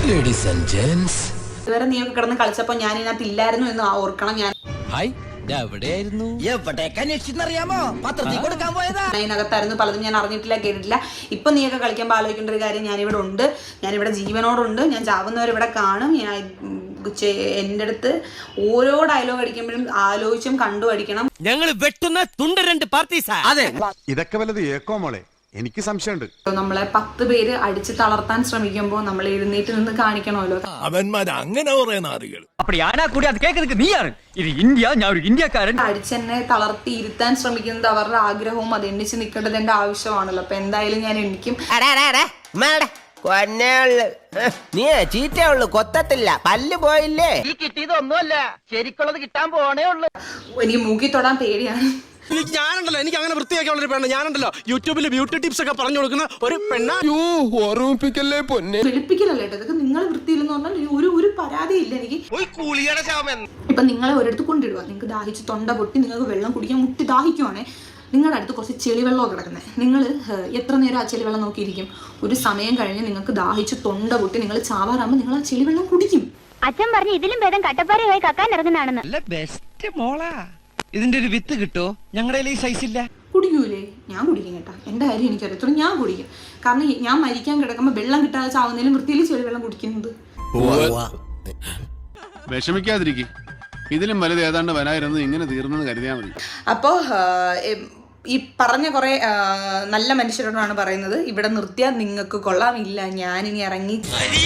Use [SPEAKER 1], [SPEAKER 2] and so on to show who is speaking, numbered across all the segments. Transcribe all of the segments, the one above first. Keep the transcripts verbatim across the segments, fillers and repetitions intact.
[SPEAKER 1] Ladies and gents,
[SPEAKER 2] ഇതുവരെ നീ ഒക്കെ കിടന്ന് കളിച്ചപ്പോ ഞാൻ ഇതിനകത്ത് ഇല്ലായിരുന്നു എന്ന് ഓർക്കണം. ഞാൻ
[SPEAKER 1] ഹായ് എവിടെയായിരുന്നു?
[SPEAKER 3] എവിടേക്കറിയാമോ? പത്രത്തിൽ കൊടുക്കാൻ പോയതാ.
[SPEAKER 2] അതിനകത്തായിരുന്നു, പലതും ഞാൻ അറിഞ്ഞിട്ടില്ല, കേട്ടിട്ടില്ല. ഇപ്പൊ നീയൊക്കെ കളിക്കുമ്പോൾ ആലോചിക്കേണ്ട ഒരു കാര്യം, ഞാനിവിടെ ഉണ്ട്, ഞാനിവിടെ ജീവനോടുണ്ട്, ഞാൻ ചാവുന്നവരിവിടെ കാണും. ഞാൻ എൻ്റെ അടുത്ത് ഓരോ ഡയലോഗ് അടിക്കുമ്പോഴും ആലോചിച്ചും കണ്ടു അടിക്കണം.
[SPEAKER 4] ഞങ്ങൾ വെട്ടുന്ന തുണ്ട രണ്ട് പാർട്ടീസാ.
[SPEAKER 5] അതെ,
[SPEAKER 6] ഇതൊക്കെ വല്ലത് ഏക്കോ മോളെ, എനിക്ക് സംശയമുണ്ട്.
[SPEAKER 2] നമ്മളെ പത്ത് പേര് അടിച്ച് തളർത്താൻ ശ്രമിക്കുമ്പോൾ നമ്മൾ എഴുന്നേറ്റ് നിന്ന് കാണിക്കണമല്ലോ.
[SPEAKER 4] അവന്മാർ അങ്ങനെ പറയുന്ന ആളുകൾ
[SPEAKER 5] அப்படி ஆனா கூட அது கேக்குறதுக்கு நீ யாரு? இது இந்தியா, ഞാൻ ഒരു ഇന്ത്യക്കാരൻ.
[SPEAKER 2] അടിച്ചെന്നെ തളർത്തി ഇരുത്താൻ ശ്രമിക്കുന്നത് അവരുടെ ആഗ്രഹവും അത് എണ്ണിച്ച് നിൽക്കേണ്ടത് എന്റെ ആവശ്യമാണല്ലോ. അപ്പൊ എന്തായാലും ഞാൻ എനിക്കും
[SPEAKER 3] നീ ചീറ്റേ ഉള്ളു, കൊത്തത്തില്ല, പല്ല് പോയില്ലേ? ഈ കിട്ടിയതൊന്നുമല്ല, ശരിക്കുള്ളത് കിട്ടാൻ പോണേ ഉള്ളു.
[SPEAKER 2] എനിക്ക് മൂക്കി തൊടാൻ പേടിയാണ്.
[SPEAKER 4] ഞാനുണ്ടല്ലോ, എനിക്ക് അങ്ങനെ വൃത്തിയാക്കിയുള്ള ഒരു പെണ്ണ. ഞാനുണ്ടല്ലോ യൂട്യൂബിൽ ബ്യൂട്ടി ടിപ്സ് ഒക്കെ പറഞ്ഞു കൊടുക്കുന്ന ഒരു പെണ്ണ.
[SPEAKER 6] ഓർമ്മിപ്പിക്കല്ലേ പൊന്നെ.
[SPEAKER 2] വെളുപ്പിക്കലല്ലേ കേട്ടോ ഇതൊക്കെ. നിങ്ങൾ വൃത്തിയില്ലെന്ന് പറഞ്ഞാൽ ഒരു ഒരു പരാതിയില്ല എനിക്ക്. ഇപ്പൊ നിങ്ങളെ ഒരിടത്ത് കൊണ്ടിടുക, നിങ്ങൾക്ക് ദാഹിച്ച് തൊണ്ട പൊട്ടി നിങ്ങൾക്ക് വെള്ളം കുടിക്കാൻ മുട്ടി ദാഹിക്കുവാണേ, നിങ്ങളുടെ അടുത്ത് കുറച്ച് ചെളിവെള്ളമോ കിടക്കുന്നത്, നിങ്ങൾ എത്ര നേരം ആ ചെളിവെള്ളം നോക്കിയിരിക്കും? ഒരു സമയം കഴിഞ്ഞ് നിങ്ങൾക്ക് ദാഹിച്ച് തൊണ്ട പൊട്ടി നിങ്ങൾ ചാവാറാകുമ്പോൾ നിങ്ങൾ ആ ചെളിവെള്ളം കുടിക്കും.
[SPEAKER 7] അച്ഛൻ പറഞ്ഞു ഇതിലും ഭേദം കട്ടപ്പാറയായി കക്കാൻ ഇറങ്ങുന്നതാണെന്ന്.
[SPEAKER 5] ബെസ്റ്റ് മോളാ. ഇതിന്റെ ഒരു വിത്ത് കിട്ടോ? ഞങ്ങളുടെ ഈ സൈസ് ഇല്ല.
[SPEAKER 2] കുടിക്കൂലേ? ഞാൻ കുടിക്കും കേട്ടോ, എൻ്റെ കാര്യം എനിക്കറിയത്തുള്ളൂ, ഞാൻ കുടിക്കും. കാരണം ഞാൻ മരിക്കാൻ കിടക്കുമ്പോൾ വെള്ളം കിട്ടാതെ ചാവുന്നതിലും വൃത്തിയിൽ ചെളിവെള്ളം കുടിക്കുന്നത്.
[SPEAKER 6] വിഷമിക്കാതിരിക്കും, ഇതിലും വലുത് ഏതാണ്ട് വരായിരുന്നു, ഇങ്ങനെ തീർന്നെന്ന് കരുതിയാൽ മതി.
[SPEAKER 2] അപ്പോൾ ഈ പറഞ്ഞ കുറേ നല്ല മനുഷ്യരോടാണ് പറയുന്നത്, ഇവിടെ നിർത്തിയാൽ നിങ്ങൾക്ക് കൊള്ളാമില്ല, ഞാനിനി ഇറങ്ങി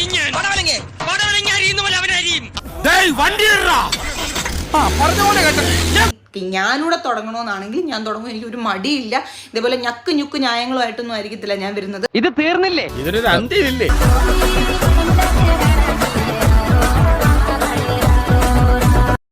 [SPEAKER 2] ഞാനിവിടെ തുടങ്ങണമെന്നാണെങ്കിൽ ഞാൻ തുടങ്ങും. എനിക്ക് ഒരു മടിയില്ല. ഇതേപോലെ ഞക്ക് ഞുക്ക് ന്യായങ്ങളുമായിട്ടൊന്നും ആയിരിക്കത്തില്ല ഞാൻ വരുന്നത്.
[SPEAKER 5] ഇത് തീർന്നില്ലേ? ഇതിനൊരു അന്ത്യമില്ലേ?